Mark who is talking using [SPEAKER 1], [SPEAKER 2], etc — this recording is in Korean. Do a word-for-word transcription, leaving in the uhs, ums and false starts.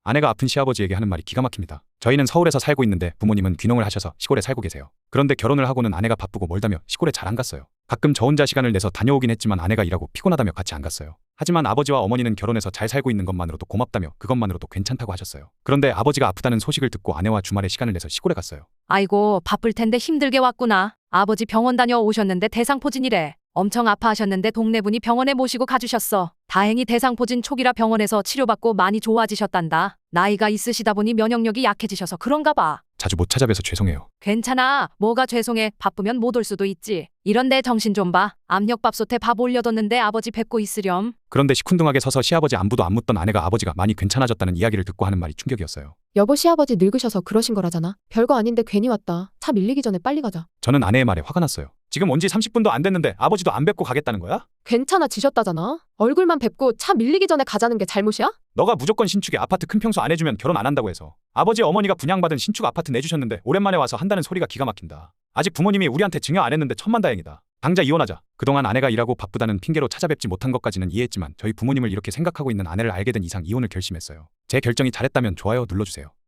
[SPEAKER 1] 아내가 아픈 시아버지에게 하는 말이 기가 막힙니다. 저희는 서울에서 살고 있는데 부모님은 귀농을 하셔서 시골에 살고 계세요. 그런데 결혼을 하고는 아내가 바쁘고 멀다며 시골에 잘 안 갔어요. 가끔 저 혼자 시간을 내서 다녀오긴 했지만 아내가 일하고 피곤하다며 같이 안 갔어요. 하지만 아버지와 어머니는 결혼해서 잘 살고 있는 것만으로도 고맙다며 그것만으로도 괜찮다고 하셨어요. 그런데 아버지가 아프다는 소식을 듣고 아내와 주말에 시간을 내서 시골에 갔어요.
[SPEAKER 2] 아이고, 바쁠 텐데 힘들게 왔구나. 아버지 병원 다녀오셨는데 대상포진이래. 엄청 아파하셨는데 동네분이 병원에 모시고 가주셨어. 다행히 대상포진 초기라 병원에서 치료받고 많이 좋아지셨단다. 나이가 있으시다 보니 면역력이 약해지셔서 그런가 봐.
[SPEAKER 1] 자주 못 찾아뵈서 죄송해요.
[SPEAKER 2] 괜찮아. 뭐가 죄송해. 바쁘면 못 올 수도 있지. 이런데 정신 좀 봐. 압력밥솥에 밥 올려뒀는데 아버지 뵙고 있으렴.
[SPEAKER 1] 그런데 시큰둥하게 서서 시아버지 안부도 안 묻던 아내가 아버지가 많이 괜찮아졌다는 이야기를 듣고 하는 말이 충격이었어요.
[SPEAKER 3] 여보, 시아버지 늙으셔서 그러신 거라잖아. 별거 아닌데 괜히 왔다. 차 밀리기 전에 빨리 가자.
[SPEAKER 1] 저는 아내의 말에 화가 났어요. 지금 온 지 삼십 분도 안 됐는데 아버지도 안 뵙고 가겠다는 거야?
[SPEAKER 3] 괜찮아지셨다잖아. 얼굴만 뵙고 차 밀리기 전에 가자는 게 잘못이야?
[SPEAKER 1] 너가 무조건 신축에 아파트 큰 평수 안 해주면 결혼 안 한다고 해서 아버지 어머니가 분양받은 신축 아파트 내주셨는데 오랜만에 와서 한다는 소리가 기가 막힌다. 아직 부모님이 우리한테 증여 안 했는데 천만다행이다. 당장 이혼하자. 그동안 아내가 일하고 바쁘다는 핑계로 찾아뵙지 못한 것까지는 이해했지만 저희 부모님을 이렇게 생각하고 있는 아내를 알게 된 이상 이혼을 결심했어요. 제 결정이 잘했다면 좋아요 눌러주세요.